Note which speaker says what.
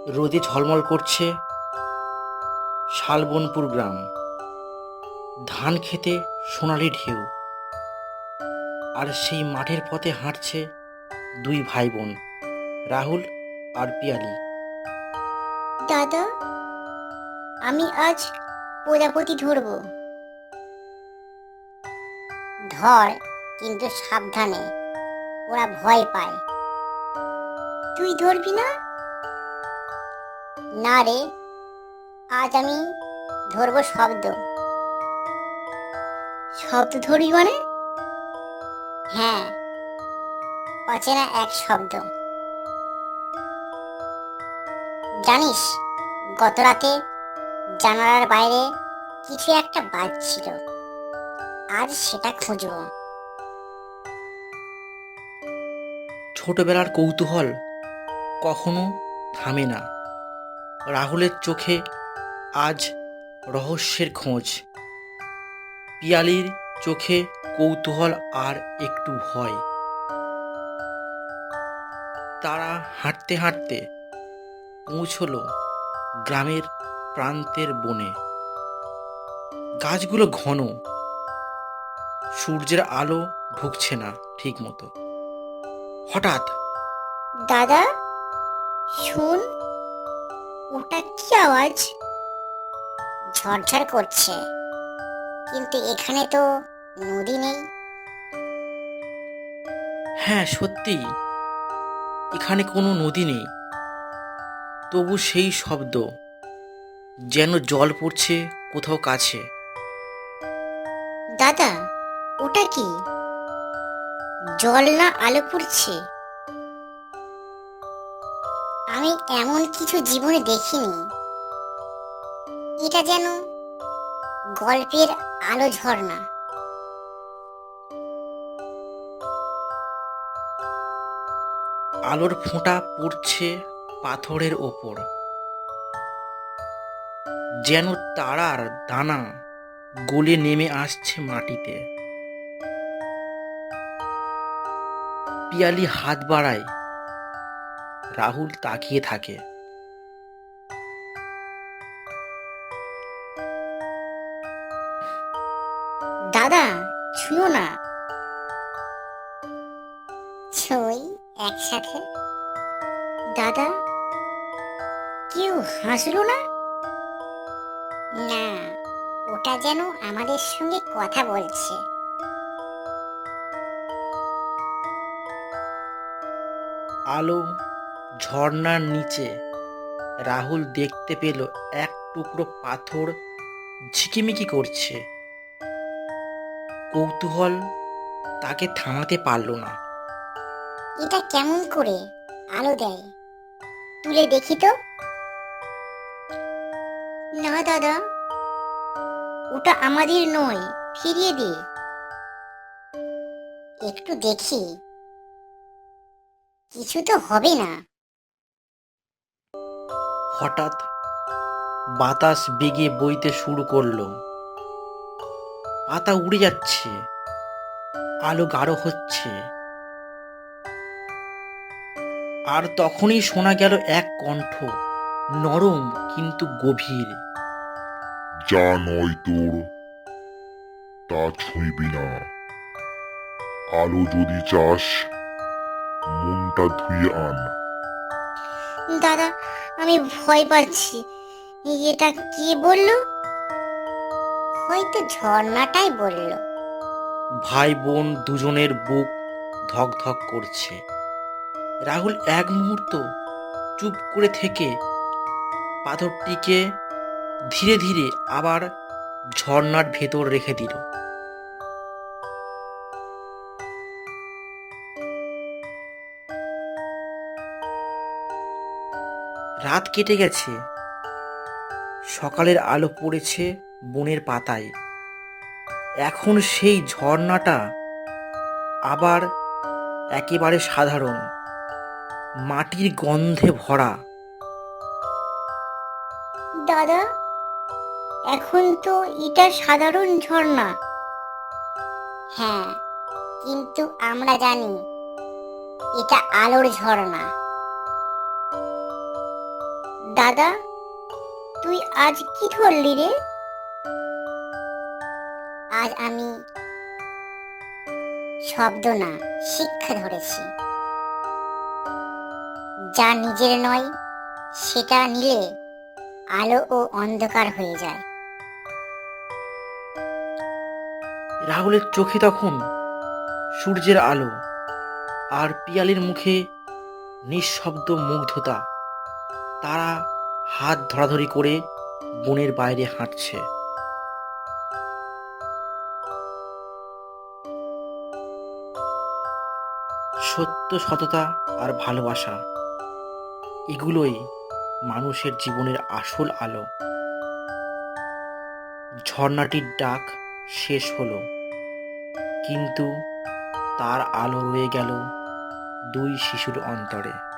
Speaker 1: রোদে ঝলমল করছে শালবনপুর গ্রাম। ধান খেতে সোনালি ঢেউ, আর সেই মাঠের পথে হাঁটছে দুই ভাই বোন, রাহুল আর পিয়ালি।
Speaker 2: দাদা, আমি আজ প্রজাপতি ধরবো। ধর, কিন্তু সাবধানে, ওরা ভয় পায়। তুই ধরবি না? না রে, আজ আমি ধরবো শব্দ। শব্দ ধরবি মানে? হ্যাঁ, অচেনা এক শব্দ। জানিস, গত রাতে জানালার বাইরে কিছু একটা বাজছিল। আজ সেটা খুঁজবো।
Speaker 1: ছোটবেলার কৌতূহল কখনো থামে না। রাহুলের চোখে আজ রহস্যের খোঁজ, পিয়ালির চোখে কৌতূহল আর একটু ভয়। তারা হাঁটতে হাঁটতে পৌঁছলো গ্রামের প্রান্তের বনে। গাছগুলো ঘন, সূর্যের আলো ঢুকছে না ঠিক মতো। হঠাৎ
Speaker 2: দাদা, শুন, ওটা কি আওয়াজ? ঝরঝর করছে, কিন্তু এখানে তো নদী নেই।
Speaker 1: হ্যাঁ, সত্যি এখানে কোনো নদী নেই, তবু সেই শব্দ, যেন জল পড়ছে কোথাও কাছে।
Speaker 2: দাদা, ওটা কি? জল না আলো পড়ছে? আমি এমন কিছু জীবনে দেখিনি। এটা যেন গল্পের আলো ঝর্ণা।
Speaker 1: আলোর ফোঁটা পড়ছে পাথরের ওপর, যেন তারার দানা গলে নেমে আসছে মাটিতে। পিয়ালি হাত বাড়ায়, রাহুল তাকিয়ে থাকে।
Speaker 2: দাদা, ছুঁয়ো না। ছুঁই একসাথে। দাদা, কেউ হাসলো না? না, ওটা যেন আমাদের সঙ্গে কথা বলছে।
Speaker 1: আলো ঝর্ণার নিচে রাহুল দেখতে পেল এক টুকরো পাথর ঝিকিমিকি করছে। কৌতূহল তাকে থামাতে পারল না।
Speaker 2: এটা কেমন করে আলো দেয়? তুলে দেখি তো। না দাদা, ওটা আমাদের নয়, ফিরিয়ে দে। একটু দেখি, কিছু তো হবে না।
Speaker 1: হঠাৎ বাতাস বেগে বইতে শুরু করলো, পাতা উড়ে যাচ্ছে, আলো গাঢ় হচ্ছে। আর তখনই শোনা গেল এক কণ্ঠ, নরম কিন্তু গভীর।
Speaker 3: যা নয় তোর, তা ছুঁইবি না। আলো যদি চাস, মনটা ধুয়ে আন।
Speaker 2: দাদা, আমি ভয় পাচ্ছি। এটা কে বললো? হয়তো ঝর্ণাটাই বললো।
Speaker 1: ভাই বোন দুজনের বুক ধক ধক করছে। রাহুল এক মুহূর্ত চুপ করে থেকে পাথরটিকে ধীরে ধীরে আবার ঝর্ণার ভেতর রেখে দিল। রাত কেটে গেছে, সকালের আলো পড়েছে বনের পাতায়। এখন সেই ঝর্ণাটা আবার একেবারে সাধারণ, মাটির গন্ধে ভরা।
Speaker 2: দাদা, এখন তো এটা সাধারণ ঝর্ণা। হ্যাঁ, কিন্তু আমরা জানি এটা আলোর ঝর্ণা। দাদা, তুই আজ কি ধরলি রে? আজ আমি শব্দ না, শিক্ষা ধরেছি। যা নিজের নয় সেটা নিলে আলো ও অন্ধকার হয়ে যায়।
Speaker 1: রাহুলের চোখে তখন সূর্যের আলো, আর পিয়ালির মুখে নিঃশব্দ মুগ্ধতা। তারা হাত ধরাধরি করে বনের বাইরে হাঁটছে। সত্য, সততা আর ভালোবাসা, এগুলোই মানুষের জীবনের আসল আলো। ঝর্ণাটির ডাক শেষ হলো, কিন্তু তার আলো রয়ে গেল দুই শিশুর অন্তরে।